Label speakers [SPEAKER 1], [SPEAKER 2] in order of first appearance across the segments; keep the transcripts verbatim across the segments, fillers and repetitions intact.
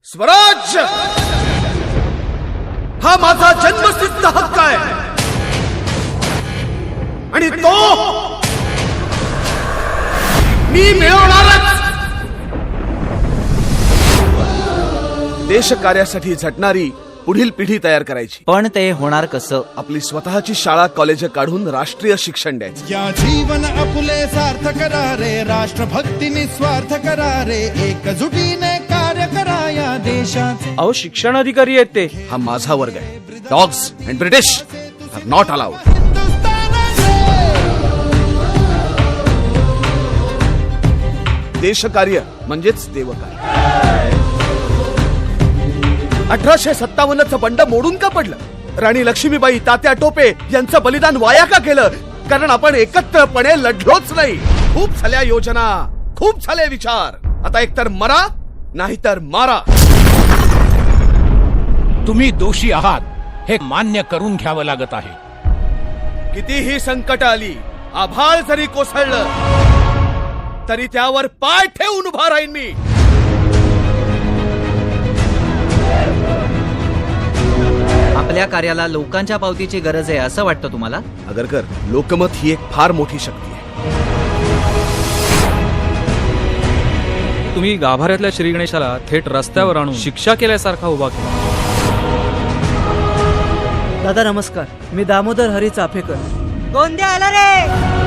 [SPEAKER 1] स्वराज्य हा माझा जन्मसिद्ध हक्क आहे आणि तो मी मिळवणारच. देश कार्यासाठी झटणारी पुढील पिढी तयार करायची.
[SPEAKER 2] पण ते होणार कसं?
[SPEAKER 1] आपली स्वतःची शाळा कॉलेज काढून राष्ट्रीय शिक्षण द्यायचं.
[SPEAKER 3] या जीवन आपुले सार्थ करा रे, राष्ट्रभक्ती निस्वार्थ करा रे, एकजुटीने कार्य करा या देशाचे.
[SPEAKER 4] अहो शिक्षण अधिकारी आहेत ते.
[SPEAKER 1] हा माझा वर्ग आहे. Dogs and British are not allowed. देशकार्य म्हणजेच देवकार्य. अठराशे सत्तावन्नचं बंड मोडून का पडलं? राणी लक्ष्मीबाई, तात्या टोपे यांचं बलिदान वाया का केलं? कारण आपण एकत्रपणे लढलोच नाही. खूप झाल्या योजना, खूप झाले विचार. आता एकतर मरा नाहीतर मारा.
[SPEAKER 5] तुम्ही दोषी आहात हे मान्य करून घ्यावं लागत आहे.
[SPEAKER 1] कितीही संकट आली, आभाळ जरी कोसळलं तरी त्यावर पाय ठेवून उभा राहीन मी.
[SPEAKER 2] आपल्या कार्याला लोकांच्या पावतीची गरज आहे असं वाटतं तुम्हाला?
[SPEAKER 1] आगरकर, लोकमत ही एक फार मोठी शक्ती आहे.
[SPEAKER 4] तुम्ही गाभाऱ्यातल्या श्री गणेशाला थेट रस्त्यावर आणून शिक्षा केल्यासारखा उभा केला.
[SPEAKER 6] दादा नमस्कार, मी दामोदर हरी चाफेकर.
[SPEAKER 7] गोंदिया आला रे.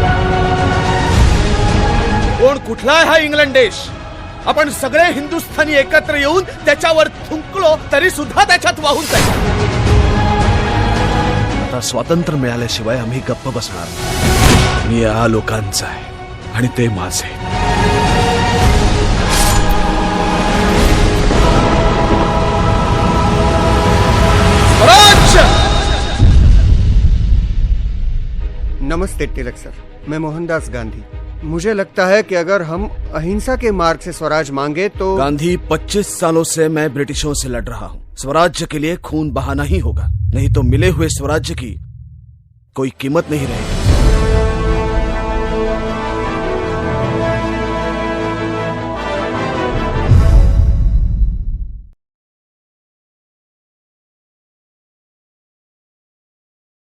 [SPEAKER 1] कोण कुठला आहे हा इंग्लंड देश? आपण सगळे हिंदुस्थानी एकत्र येऊन त्याच्यावर थुंकलो तरी सुद्धा त्याच्यात वाहून जाईल. आता स्वातंत्र्य मिळाल्याशिवाय आम्ही गप्प बसणार नाही. मी या लोकांचा आहे आणि ते माझे. स्वराज्य.
[SPEAKER 8] नमस्ते तिलक सर, मैं मोहनदास गांधी. मुझे लगता है कि अगर हम अहिंसा के मार्ग से स्वराज मांगे तो
[SPEAKER 1] गांधी, पच्चीस सालों से मैं ब्रिटिशों से लड़ रहा हूँ. स्वराज्य के लिए खून बहाना ही होगा, नहीं तो मिले हुए स्वराज्य की कोई कीमत नहीं रहेगी.